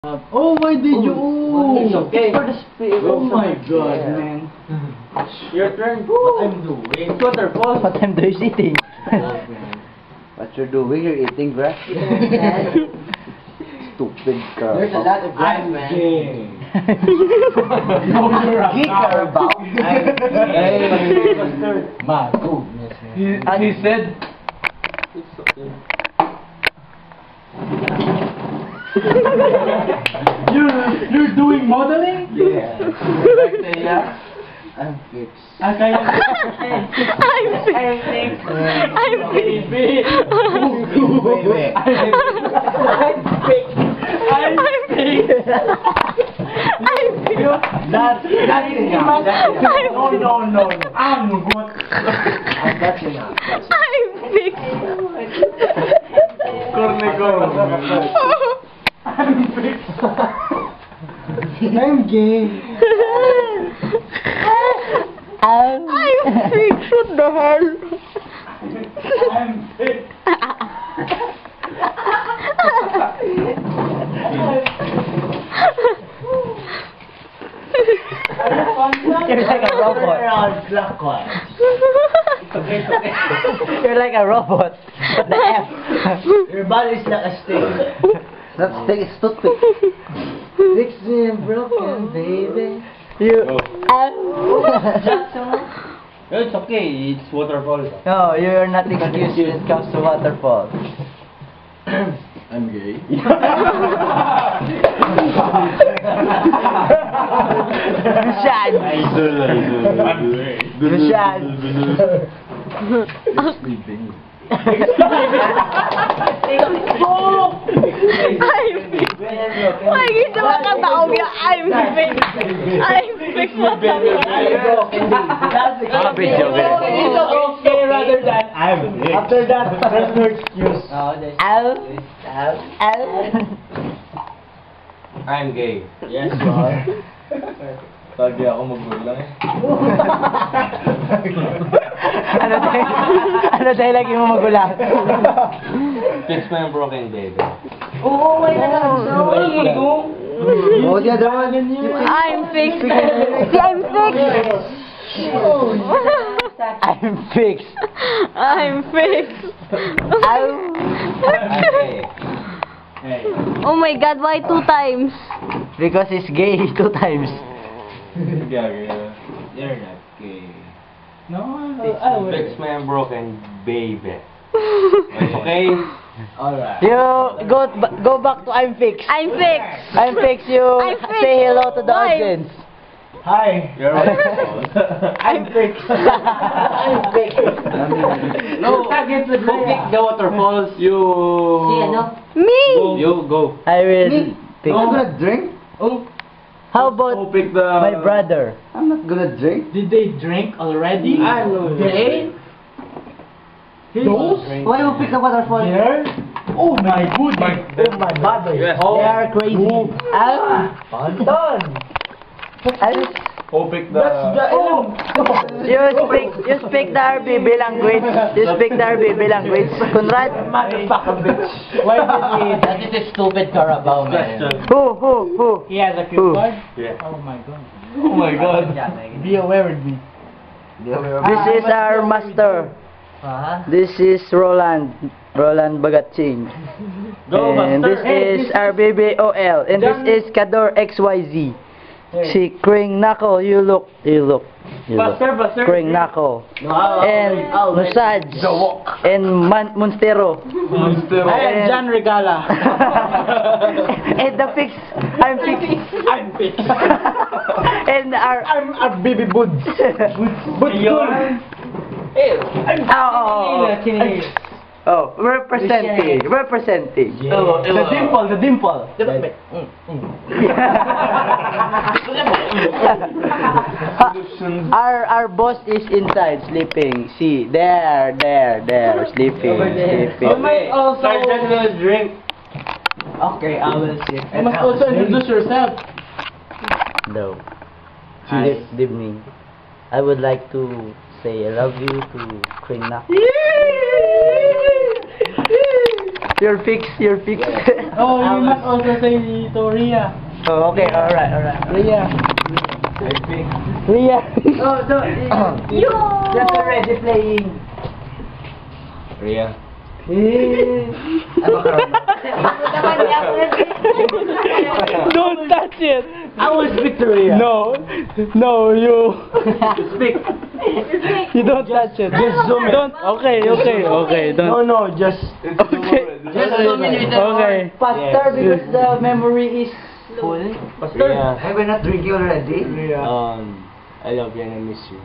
Oh, why did you? It's okay. For the spirit. Oh my god, Yeah. man. Your turn. What I'm doing? It's waterfall. What I'm doing is eating. What you're doing? You're eating grass? Stupid girl. There's a lot of grass, I'm man. gay. Geeker about. My goodness, man. He said, you're doing modeling? Yeah. I'm fixed. I'm fixed. That's enough. No. I'm good. That's enough. I'm gay. I'm fixed. What the hell? I'm fixed. You're like a robot. You're like a robot. What the F? Your body's like a stick. That stick is toothpick. Fix me broken, baby. You. It's okay. It's waterfall. No, you're not excused when it comes to waterfall. I'm gay. Bishad. Bishad. Sleeping. Why gusto mo kataog yung I'm fixed? I'm fixed mo Okay, rather than after that, there's no excuse. I'm gay. Yes, you are. Lagi ako magulang eh. Ano dahil lagi mo magulang? Fix my broken baby. Oh, the other one. I'm fixed. I'm fixed. I'm fixed. I'm fixed. I'm gay. Oh my god, why 2 times? Because he's gay 2 times. You're not gay. No, Fix my broken baby. Okay? Alright. You go back to I'm fixed. I'm fixed. I'm fixed. You I'm fixed. say hello to the Why? audience. Hi. You're welcome. I'm fixed. I'm fixed. No, who pick the waterfalls? You. Me. You go. I will pick. I'm gonna drink. How Who about pick the? my brother? I'm not gonna drink. Did they drink already? They? Those? Why you pick the waterfall? Here? Oh my goodness. Oh my body. Yes. They are crazy. Done. Who pick the? You speak the RBB language. You speak the RBB language. Conrad. Motherfucker bitch. Why did That is a stupid Carabao Question. Who? he has a cue Who? card? Yeah. Oh my god. Oh my God. Be aware with me. This is our master. This is Roland Bagatching. Go, And this master. is RBBOL. And this is Kador XYZ. Si Kring Knuckle, you look. Buster. Kring Knuckle. And Musaj. And Monstero. Monster. I am John Regala. And the fix. I'm fixed. I'm fixed. And our I'm a baby Boods. representing. The dimple. Our boss is inside sleeping. See, there, sleeping. Sergeant will drink. Okay, I will sit. You must also introduce yourself. No. This evening, I would like to say I love you to Kring Knuckle. You're fixed. Oh, you must also say to Rhea. Oh, okay, alright. Rhea. Rhea. Oh, no. Just already playing. Rhea. Don't touch it. I will speak to Rhea. No, you. Speak. You don't touch it. Just zoom in. Don't. Okay. Don't. No, just. Okay. Just zoom in with the Okay. Faster because the memory is full. Rhea. Hey, we're not drinking already? I love you and I miss you.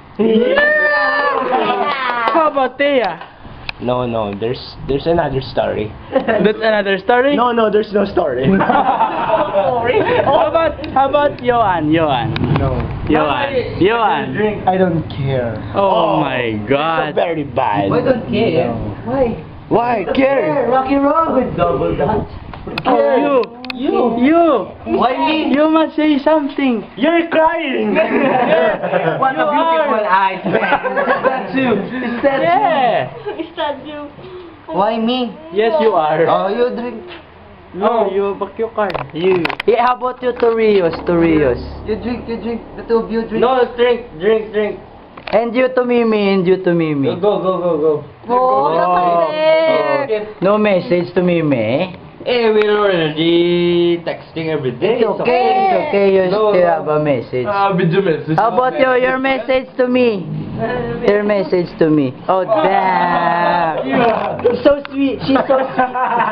How about Thea? No, there's another story. That's another story. No, there's no story. How about Johan? No. Johan. Drink. I don't care. Oh my God. Very bad. Why don't care? Why? Why care? Rocky Road with double dot. Oh, you. Why me? You must say something. You're crying. What a beautiful eyes, That's you. Is that Yeah. Is that you? Why me? Yes, you are. Oh, you drink. No, you back your card. You. Yeah, how about you, Torios? You drink. The two of you drink. No, drink. And you to Mimi. Go. Oh, kasi. No message to Mimi. Eh, we're already texting every day. It's okay. You No, still no. have a message. Video message. How about your message to me? Your message to me. Oh, damn. She's so sweet. She's so sweet.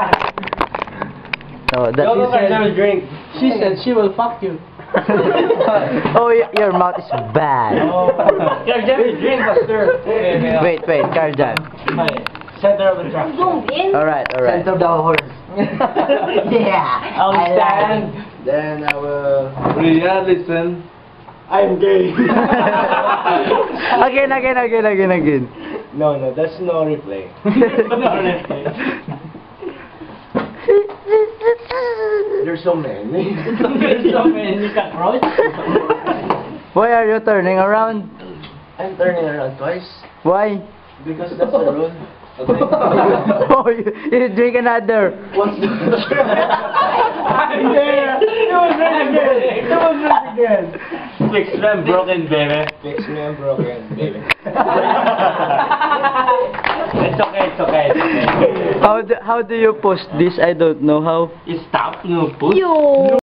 Oh, that Go, is. have a drink. She said she will fuck you. Oh, your mouth is bad. Drink, Buster. Wait, Karjan. Center of the track. Zoom in. Alright. Center of the horse. Yeah. I'll I stand. Then I will. Rhea, listen. I'm gay. Again. No, that's no replay. There's so many. There's so many cockroach. Why are you turning around? I'm turning around twice Why? because that's the rule. Oh, you drink another. What's the Yeah, it was right again. Fix me, I'm broken, baby. Fix me, I'm broken, baby. It's okay. How do you post this? I don't know how. Stop, no push. You.